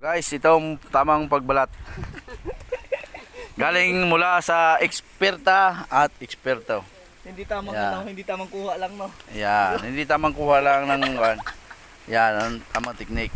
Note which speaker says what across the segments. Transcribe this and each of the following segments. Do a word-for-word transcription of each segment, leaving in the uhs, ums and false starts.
Speaker 1: Guys, itong tamang pagbalat. Galing mula sa eksperta at eksperto.
Speaker 2: Hindi tamang
Speaker 1: Yeah.
Speaker 2: ano, hindi tamang kuha lang no.
Speaker 1: Yan, hindi tamang kuha lang ng kan. Yan, ang tamang teknik.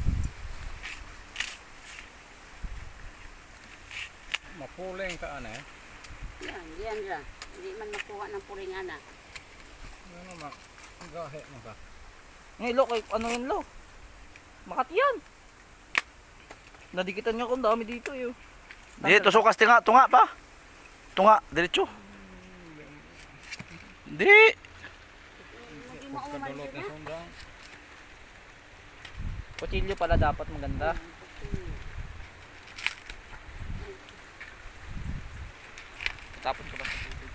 Speaker 3: Mapuling ka ano eh.
Speaker 4: Yan, yan ra. Hindi man makuha ng puringana.
Speaker 3: Ano mak gahe mo ka.
Speaker 2: Ngayon lo, kay ano yun lo? Makati yan. Nadikitan niya kung dami dito eh.
Speaker 1: Dito sukas tinga, tunga pa. Tunga, diretso. Di.
Speaker 4: Hindi mo umalis
Speaker 3: Kadulot na
Speaker 4: na.
Speaker 3: sundang.
Speaker 2: Kutsilyo pala dapat maganda. Tapos ko lang sa tubig.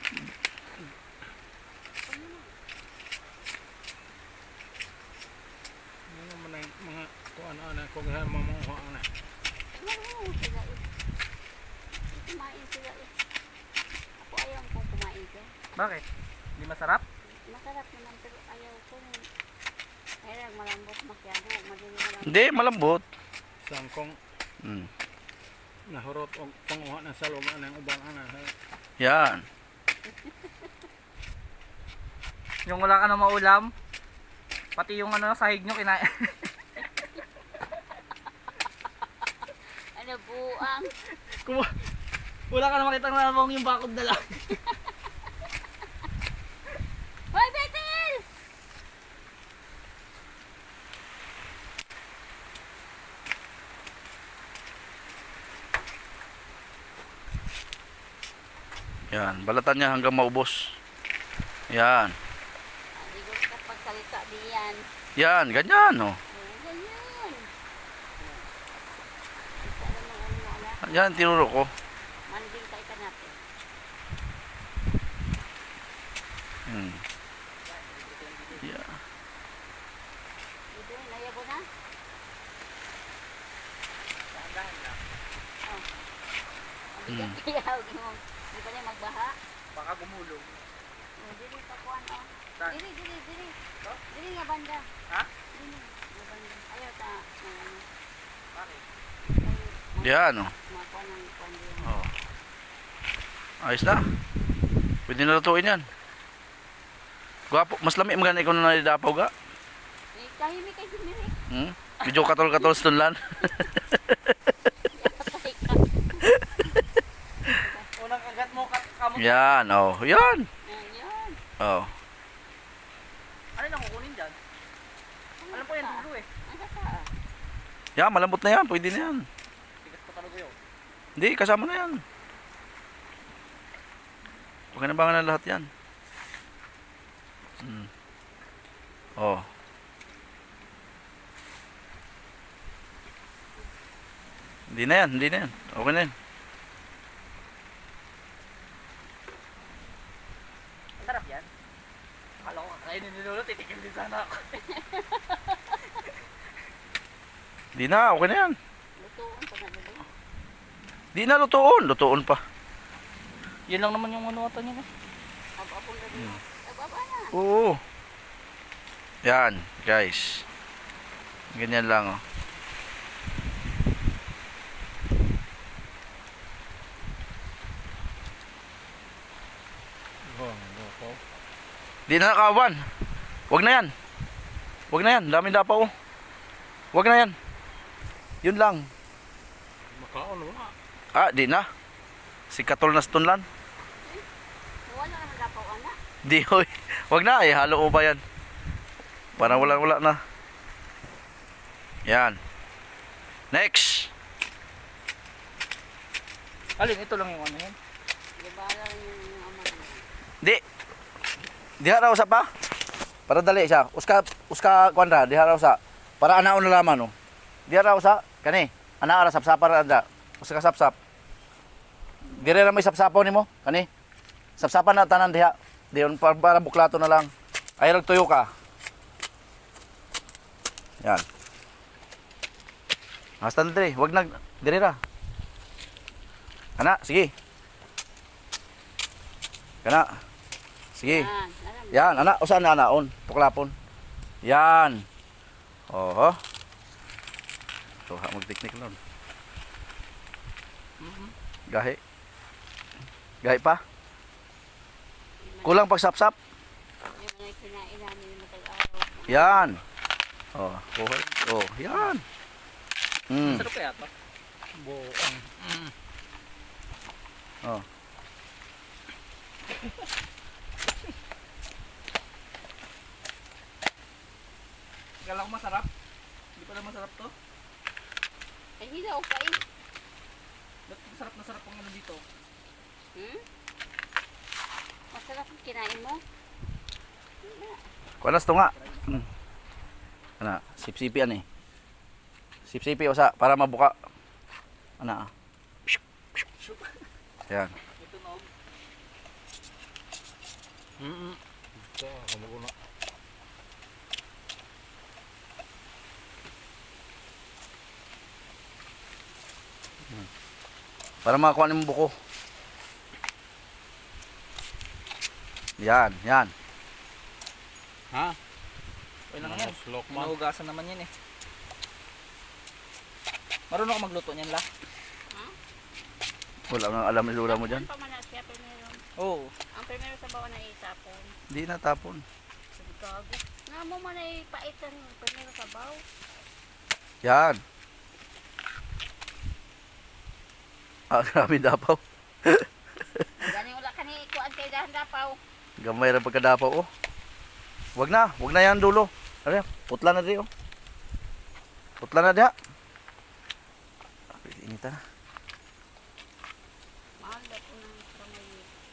Speaker 3: Ano man ang mga kuan ana kung ha mamuha ana.
Speaker 4: Oo, sila eh. Kumain sila eh. Ako ayaw kong kumain ko.
Speaker 2: Bakit? Hindi masarap?
Speaker 4: Masarap naman pero ayaw ko. Ayaw malambot masyado. Madali malambot.
Speaker 1: Hindi, malambot.
Speaker 3: Sangkong
Speaker 1: Hmm.
Speaker 3: nahurot og panguha na sa loob ana ubang ana.
Speaker 1: Yan.
Speaker 2: Yung wala ka na maulam, pati yung ano sahig nyo kinain.
Speaker 4: Ano buang.
Speaker 2: Kung wala ka na makitang lamang yung bakod na lang.
Speaker 4: Hoy, Betel!
Speaker 1: Yan, balatan niya hanggang maubos. Yan.
Speaker 4: Aligos ka pagsalita diyan.
Speaker 1: Yan, ganyan, oh.
Speaker 4: Oo, ganyan. Isa lang ang ano mo anak.
Speaker 1: Yan, tinuro ko.
Speaker 4: Manding ka ika natin.
Speaker 1: Hmm. Yeah.
Speaker 4: Ito, nayabo na. Oh. Ang bigat kaya, huwag mo. Hindi pa niya magbaha.
Speaker 2: Baka gumulong.
Speaker 4: Oh, dili pa kuhan, oh.
Speaker 2: Saan?
Speaker 4: Dili, dili, dili.
Speaker 2: Ito?
Speaker 4: Dili nga banda.
Speaker 2: Ha?
Speaker 4: Dili nga banda. Ayaw ta. na ano.
Speaker 2: Bakit?
Speaker 4: Ay,
Speaker 1: Yan, oh.
Speaker 4: mga kuhan ng kuhan din.
Speaker 1: Oh. Ayos na. Pwede na lutuin yan. Gwapo, mas lami maganda ikaw na nalidapaw ga.
Speaker 4: Eh, tahimik kay Jimmy.
Speaker 1: Hmm? Medyo katol-katol sa tunlan.
Speaker 4: Patay ka.
Speaker 2: Unang kagat mo kat kamot.
Speaker 1: Yan, oh. Yan.
Speaker 4: Ayun.
Speaker 1: Oh.
Speaker 2: Ano na kukunin dyan? Alam ko yan dulo eh.
Speaker 4: Ang kasa.
Speaker 1: Yan, malambot na yan. Pwede na yan.
Speaker 2: Tigas pa talaga yun.
Speaker 1: Hindi, kasama na yan. Okay na ba nga na lahat yan? Hmm. Oh. Hindi na yan, hindi na yan. Okay na yan.
Speaker 2: Masarap yan. Akala ko kakainin ni Lolo, titikim din sana ako.
Speaker 1: Hindi na, okay na yan.
Speaker 4: Lutuon pa na nila.
Speaker 1: Di na lutuon, lutuon pa.
Speaker 2: Yun lang naman yung ano ata niya eh.
Speaker 4: Ababong na din. Ababa na.
Speaker 1: Oo. Yan, guys. Ganyan lang, oh.
Speaker 3: Oh, loko.
Speaker 1: Di na nakawan. Wag na yan. Wag na yan, daming dapaw, oh. Wag na yan. Yun lang.
Speaker 3: Makaon wala.
Speaker 1: Ah, di na. Si Katol na sa tunlan.
Speaker 4: Wala naman dapaw anak.
Speaker 1: Di, hoy. Wag na, eh. Halo ko pa yan. Parang wala-wala na. Yan. Next.
Speaker 2: Alin, ito lang yung ano yun.
Speaker 4: Di ba lang yung ama niya.
Speaker 1: Di. Diha raw sa pa. Para dali siya. Uska, uska, kwanra. Diha raw sa. Para anaon na laman, oh. Diha raw sa. Kani. Ana ara sapsapar anda. Uska sapsap. Dire ra may sapsapaw nimo. Kani. Sapsapan na tanan diha. Diyon para, para buklato na lang. Ay rag tuyo ka. Yan. Hasta na dire. Wag nag dire ra. Ana, sige. Kana. Sige.
Speaker 4: Yan, alam.
Speaker 1: Yan, ana, usan na anaon, tuklapon. Yan. Oho. So, ha mag-technique nun.
Speaker 2: Mhm.
Speaker 1: Gahi. Gahi pa. Kulang pag sapsap.
Speaker 4: Yung mga kinain namin yung matag-araw.
Speaker 1: Yan. Oh, kuhay. Oh, yan. Mm.
Speaker 2: Sarap kaya to.
Speaker 3: Buong. Mm.
Speaker 1: Oh.
Speaker 2: Kala ko masarap. Hindi pala masarap to.
Speaker 4: Ay, hilaw pa eh.
Speaker 2: Ba't masarap na sarap ang ano dito?
Speaker 4: Hmm? Masarap yung kinain mo. Wala.
Speaker 1: Kuanas to nga. Mm. Ana, sip-sipi ani. Sip-sipi usa para mabuka. Ana. ah. Yan.
Speaker 2: Ito nog.
Speaker 3: Mm. Ito, kumukuna.
Speaker 1: Para makakuha mo buko. Yan, yan.
Speaker 3: Ha?
Speaker 2: Okay lang yan.
Speaker 3: Slok man.
Speaker 2: Nahugasan naman yan eh. Marunong ka magluto niyan la?
Speaker 1: Wala nang alam ni lula mo dyan.
Speaker 4: Tapon pa man na siya, primero.
Speaker 2: Oo.
Speaker 4: Ang primero sa bawa na itapon.
Speaker 1: Hindi na tapon.
Speaker 4: Sabi gago. Nga mo man ay paitan yung primero sa baw.
Speaker 1: Yan. Ah, grabe dapaw.
Speaker 4: Gani wala ka ni ikuan kay dahan dapaw.
Speaker 1: Gamay ra pagkadapaw oh. Wag na, wag na yan dulo. Ano yan? Putla na di oh. Putla na diha. Inita na.
Speaker 4: Mahal daw ko ng kamay.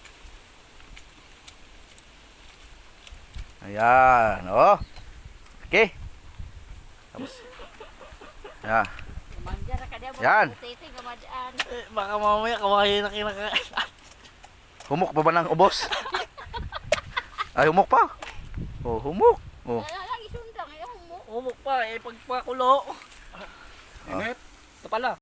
Speaker 1: Ayan, oh. Okay. Tapos. Yan.
Speaker 4: Mangga ra ka diya.
Speaker 1: Yan.
Speaker 4: Titi gamadaan.
Speaker 2: Eh, baka mamaya kawain na kinakain.
Speaker 1: Humok pa ba ng ubos? Ay, humok pa. Oh, humok. Oh.
Speaker 4: Wala lang isundang. Ayaw mo.
Speaker 2: Umok pa eh, pagpakulo.
Speaker 3: Init.
Speaker 2: Ito pala.